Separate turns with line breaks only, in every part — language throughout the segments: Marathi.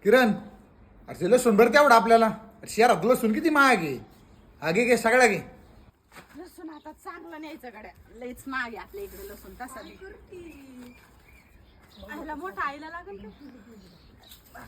किरण, अरे ते लसूण भरते आवड आपल्याला. शहरात लसूण किती महाग आहे. आगे घे सगळ्या घे.
लसूण आता चांगलं न्यायचं गड्या, लईच महाग आहे आपल्या इकडे लसूण. तसा आईला मोठा आईला लागेल का?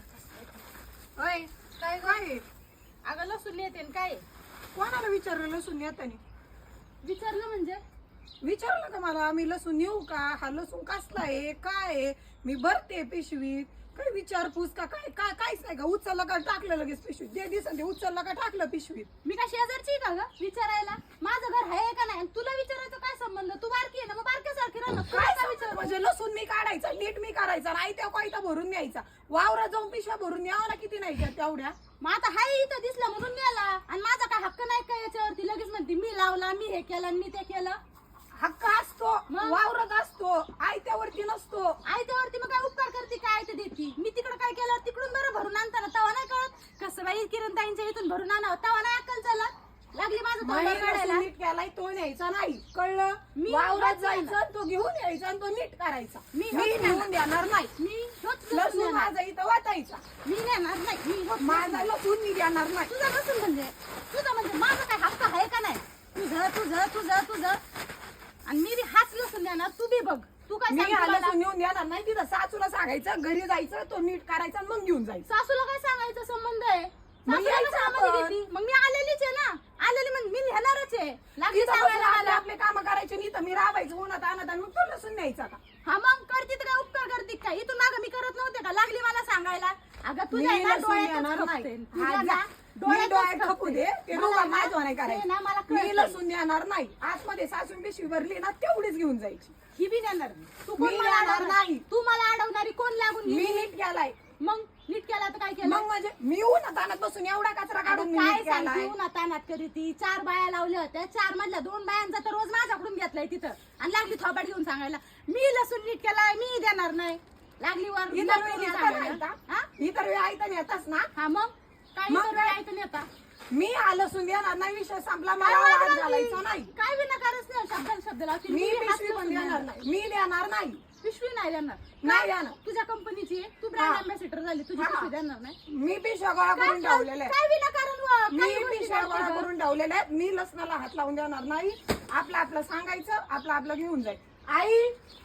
होय काय काय
अगं लसूण नेते काय?
कोणाला विचारलं लसूण येतानी?
विचारलं म्हणजे
विचारलं का मला मी लसूण येऊ का? हा लसूण कसला आहे काय आहे? मी भरते पिशवीत. काय विचारपूस का काय? काय काहीच नाही का? उचललं का टाकलं लगेच पिशवीत? दे दिसन ते उचललं का टाकलं पिशवीत.
मी का शेजारची का ग विचारायला? माझं घर आहे का नाही? तुला विचारायचं काय संबंध? तू बारकी आहे ना, मग बारक्यासारखी राहा ना.
काय विचार म्हणजे लसूण मी काढायचा, नीट मी करायचा, नाही त्या कोयता भरून न्यायचा. वावरात जाऊन पिशव्या भरून न्यावं ना, किती नाही घ्या तेवढ्या.
मग आता हाय इथं दिसला म्हणून नेला, आणि माझा काय हक्क नाही का याच्यावरती? लगेच म्हणते मी लावला, मी हे केलं, मी ते केलं.
हक्क असतो, वावरात असतो, आयत्यावरती नसतो.
आयत्यावरती मग काय उपकार करते काय आयतं देती? मी तिकडे काय केलं तिकडून बरं भरून आणताना तवा नाही कळत कसं बाई किरण ताईंच्या इथून भरून आणावं, तवा नाही अक्कल चालत. लागली माझं तोंड काढायला.
नीट केलाय तो न्यायचा नाही, कळलं?
मी
वावरात
नीट
जायचं, तो घेऊन यायचा आणि तो नीट करायचा.
मी
मी घेऊन देणार नाही.
मी
लसूण माझा इथं वाटायचा.
मी नेणार नाही. मी
माझा लसूण मी देणार नाही.
तुझा लसूण म्हणजे माझा काय हक्क आहे का नाही? तुझं तुझं तुझं तुझं आणि मी बी हाच लसूण देणार. तू बी बघ, तू काय
मी
सांगते
हा
मला?
लसूण नेऊन देणार नाही. तिथं सासूला सांगायचं, घरी जायचं, तो नीट करायचा आणि मग घेऊन जायचं.
सासूला काय सांगायचा संबंध आहे?
मग
सासूला
यायचं
कामाला
आपण.
घेती. मग मी आलेलीच आहे ना, आलेली मग मी नेणारच आहे. लागली
तिथं
सांगायला
आपले
मला.
आपले काम करायचे नाही तर मी राबायचं उन्हात आणत आणि मग तो लसूण न्यायचा का?
हा मग करते तर काय उपकार करते काय? इथून मागं मी करत नव्हते का? लागली मला सांगायला. अगं तुझ्या
मी
आहे ना
लसूण
डोळ्यातच
देणार
खपते.
नाही.
तुझ्या
हा,
ना
जा. मी
डोळ्यातच
डोळ्यात खपू दे, ते
मला
दोघं
ना-
माझं नाही
ते ना
करायचं.
मला
मी
कळतंय.
लसूण देणार नाही. आतमध्ये सासून पिशवी भरली ना तेवढीच घेऊन जायची.
ही बी देणार नाही. तू
मी
कोण मला
देणार
अडवणार?
नाही.
तू मला अडवणारी कोण लागून
मी
गेली?
नीट केलाय.
मग नीट केला तर काय केलं?
मग म्हणजे मी उन्हात आणत बसून एवढा कचरा काढून मी
काय
नीट केलाय.
सांगते उन्हातानात करी ती? 4 बाया लावल्या होत्या, 4 मधल्या 2 बायांचा तर रोज माझ्याकडून घेतलाय तिथं, आणि लागली थोबाड घेऊन सांगायला मी लसूण नीट केलाय, मी देणार नाही. लागली वर
इतर वेळी
नोकरी
नेता
सांगायला.
नाही का?
हा?
इतर वेळी ऐकता नेतास ना.
हा मग काय
मग
इतर
काय?
वेळी ऐकून येता?
मी लसूण देणार नाही. विषय संपला.
काय
मला
वाद
वाद
घालती?
घालायचा नाही.
काय विनाकारच नाही शब्दाला शब्द लावती.
मी
हाच
पिशवी पण
लसूण
देणार नाही. मी देणार नाही.
पिशवी नाही देणार.
नाही देणार.
तुझ्या कंपनीची आहे, तू ब्रँड
हा.
अँबॅसिडर झाली, तुझी
हा.
पिशवी देणार नाही.
मी पिशव्या गोळा करून ठेवलेल्या आहेत.
काय विनाकारण काही
मी
गोष्टी
पिशव्या गोळा
करते
करून ठेवलेल्या आहेत. मी लसणाला हात लावून देणार नाही. आपलं आपलं सांगायचं, आपलं आपलं घेऊन जाईल. आई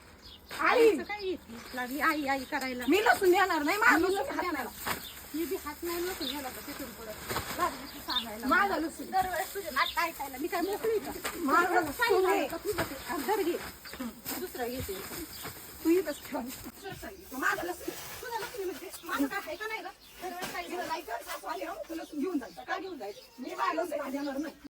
आई
गं. काय येते? लागली आई आई करायला.
मी लसूण देणार नाही. माझं
मी
लसूण
लसूण
हात
देणार.
नाही.
मी बी हात नाही नसून गेला तर तिथून पुढे लागली ती सांगायला.
माझं लसूण.
दरवेळेस तुझे नाटक ऐकायला मी काय मोकळी का?
माझं लसूण
सांगितलं
आहे.
का तुझं ते? आणि धर घे. दुसरं घेते.
तू इथंच ठेव. माझं लसूण.
तुझं लसूण म्हणजे माझं काय आहे का नाही गं? दरवेळेस काय
तुला जायचं, सासू आली, हं, तू लसूण घेऊन जायचं. काय घेऊन जायचं? मी माझं लसूण देणार नाही.